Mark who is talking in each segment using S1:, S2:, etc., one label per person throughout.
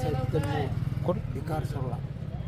S1: बाळासाहेब कन्नूर
S2: कोण
S1: विकार सरला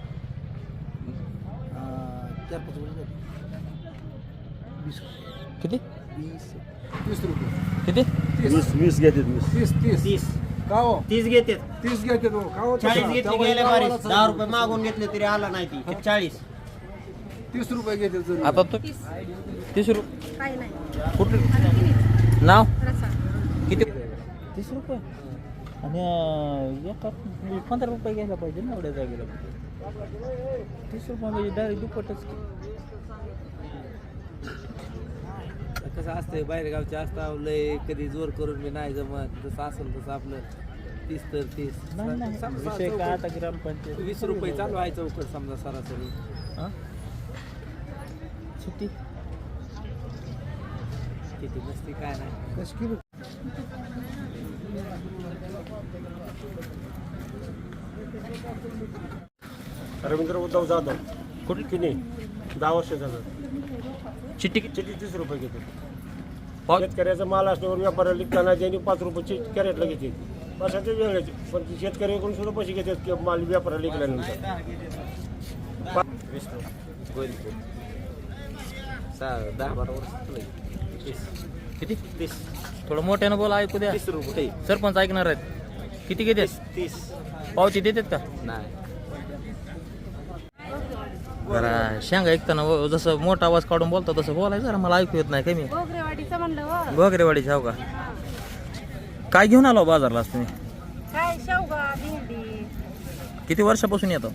S1: 4-5 वर्ष झाली. 20
S2: किती
S1: 30 रुपये
S2: किती
S3: 20 घेते
S1: 30 का हो
S4: 30 घेते
S1: 30 घ्यायचे तो का हो
S4: 40 घेतले गेले बारीक 10 रुपये मागून घेतले तरी आला नाही ती 40
S1: 30 रुपये घेते जरूर.
S2: आता तो 30 रुपये
S5: काय नाही
S2: कुठलं नाव
S5: रसा
S2: किती 30 रुपये आणि एका 15 रुपये घ्यायला पाहिजे ना एवढ्या जागेला 30 रुपये म्हणजे डायरेक्ट दुप्पटच की.
S6: कसं असतंय बाहेरगावचे असतं लय कधी जोर करून मी नाही जमत जसं असेल तसं आपलं 30 तर 30
S2: नाही नाही विषय काय आता ग्रामपंचायत
S6: 20 रुपये चालू आहे चौकट समजा सरासरी
S2: हां सुट्टी
S6: किती नसती काय नाही
S1: कशी किलो
S3: रवींद्र उद्धव जाधव
S2: कुठली
S3: किनी 10 वर्षाचा
S2: चिट्टी
S3: चिठी 30 रुपये घेते
S2: पाव
S3: शेतकऱ्याचा माल असल्यावर व्यापाऱ्याला लिखताना ज्यांनी 5 रुपये कॅरेटला घेते पैशाचे वेगळेच पण शेतकऱ्याकडून सुद्धा पैसे घेतात की माल व्यापाऱ्याला लिखल्यानंतर
S6: 10-12 वर्ष
S2: किती 30 थोडं मोठ्यानं बोला ऐकू द्या
S6: 30 रुपये
S2: सरपंच ऐकणार आहेत किती घेते
S6: 30
S2: पावती देतात का
S6: नाही
S2: जरा शेंगा ऐकताना जसं मोठा आवाज काढून बोलतो तसं बोलायचं जरा मला ऐकू येत नाही कमी
S5: गोगरेवाडीचं म्हणलं हो.
S2: घोगरेवाडीची हो का काय घेऊन आलो बाजारला आज तुम्ही
S5: काय शेवगा भेंडी
S2: किती वर्षापासून येतो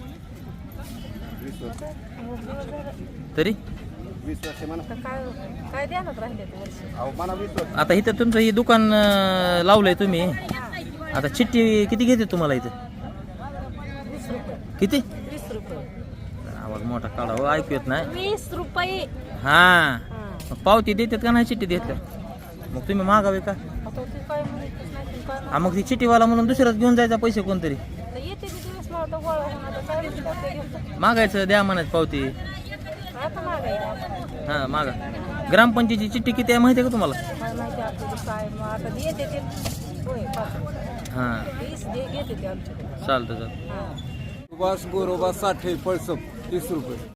S2: तरी
S1: 20 वर्ष म्हणा.
S5: काय काय द्यायला राहिले ते वर्ष
S1: अहो मला 20 वर्ष
S2: आता इथं तुमचं हे दुकान लावलंय तुम्ही आता चिठ्ठी किती घेते तुम्हाला इथं
S5: 20 रुपये
S2: किती
S5: 20 रुपये
S2: आवाज मोठा काढा हो ऐकू येत नाही
S5: 20 रुपये
S2: हा मग पावती देतात का नाही चिठ्ठी देतात मग तुम्ही मागावे का
S5: आता ते काय म्हणतच नाही ते काय
S2: हा मग ती चिठ्ठीवाला म्हणून दुसऱ्याच घेऊन जायचा पैसे कोणतरी
S5: नाही. येते ते दिवस मला तर गोळा होऊन आता काय ते घेऊन
S2: मागायचं द्या म्हणायचं पावती
S5: आता मागायला
S2: हा मागा ग्रामपंचायतीची चिठ्ठी किती आहे माहिती आहे का तुम्हाला
S5: काय माहिती आपल्याला काय मग आता येते ते होय 5
S2: हां
S5: 20 घेते ते आमच्याकडे
S2: चालतं चालतं
S5: हां
S1: सुभाष गोरोबा साठे पळसप 30 रुपये